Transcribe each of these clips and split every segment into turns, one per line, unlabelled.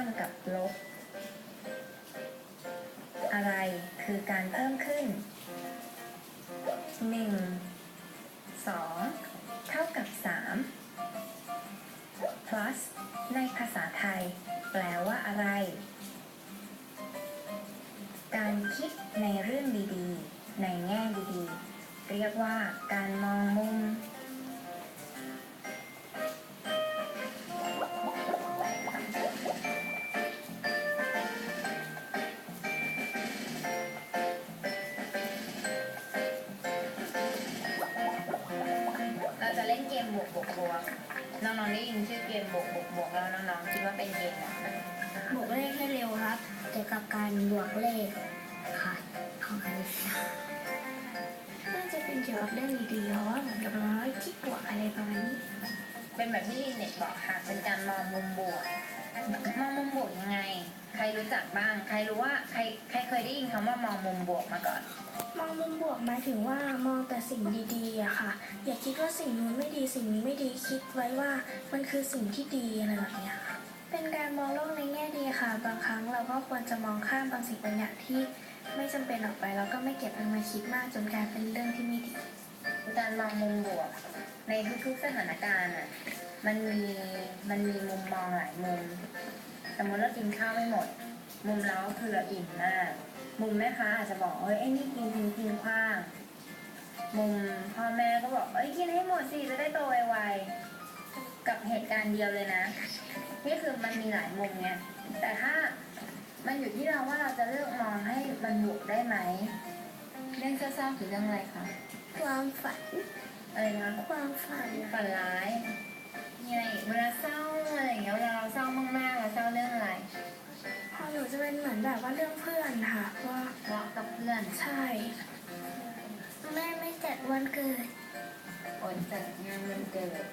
ามกับลบอะไรคือการเพิ่มขึ้น1 2เท่ากับ3 plus ในภาษาไทยแปลว่าอะไรการคิดในเรื่องดีๆในแง่ดีๆเรียกว่าการมองมุมเราจะเล่นเกมบวกน้องๆได้ยินชื่อเกมบวกแล้วน้องๆคิดว่าเป็นเกมอะไร
บวกเลขให้เร็วครับเกี่ยวกับการบวกเลขค่ะของคณิตศาสตร์น่าจะเป็นเกี่ยวกับเรื่องดีๆเพราะว่าเหมือนกับเราคิดบวกอะไรประมาณนี้
เป็นแบบที่ลินเน็ตบอกค่ะเป็นการมองมุมบวกยังไงใครรู้จักบ้างใครรู้ว่าใครเคยได้ยินคำว่ามองมุมบวกมาก่อน
มองมุมบวกหมายถึงว่ามองแต่สิ่งดีๆอะค่ะอย่าคิดว่าสิ่งนู้นไม่ดีสิ่งนี้ไม่ดีคิดไว้ว่ามันคือสิ่งที่ดีอะไรแบบนี้ค่ะเป็นการมองโลกในแง่ดีค่ะบางครั้งเราก็ควรจะมองข้ามบางสิ่งบางอย่างที่ไม่จำเป็นออกไปแล้วก็ไม่เก็บมันมาคิดมากจนกลายเป็นเรื่องที่ไม่ดี
การมองมุมบวกในทุกๆสถานการณ์อ่ะมันมีมุมมองหลายมุมสมมติเรากินข้าวไม่หมดมุมเราคือเราอิ่มมากมุมแม่ค้าอาจจะบอกไอ้นี่กินทิ้งขว้างมุมพ่อแม่ก็บอกกินให้หมดสิจะได้โตไวๆกับเหตุการณ์เดียวเลยนะนี่คือมันมีหลายมุมไงแต่ถ้ามันอยู่ที่เราว่าเราจะเลือกมองให้มันบวกได้ไหมเรื่องเศร้าๆคือเรื่องอะไรคะ
ความฝัน
อะไรนะ
ความฝัน
ร้ายยังไงเวลาเศร้าอะไรอย่างเงี้ยเวลาเราเศร้ามากๆเราเศร้าเรื่องอะไร
พอหนูจะเป็นเหมือนแบบว่าเรื่องเพื่อนค่ะว่า
ทะเลาะกับเพื่อน
ใช่แม่ไม่จัดวันเกิด
อดจัดงานวันเกิด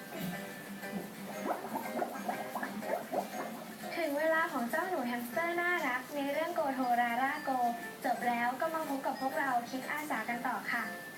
ถึงเวลาของเจ้าหนูแฮมสเตอร์น่ารักในเรื่องโกโทราราโกจบแล้วก็มาพบกับพวกเราคิดอาสากันต่อค่ะ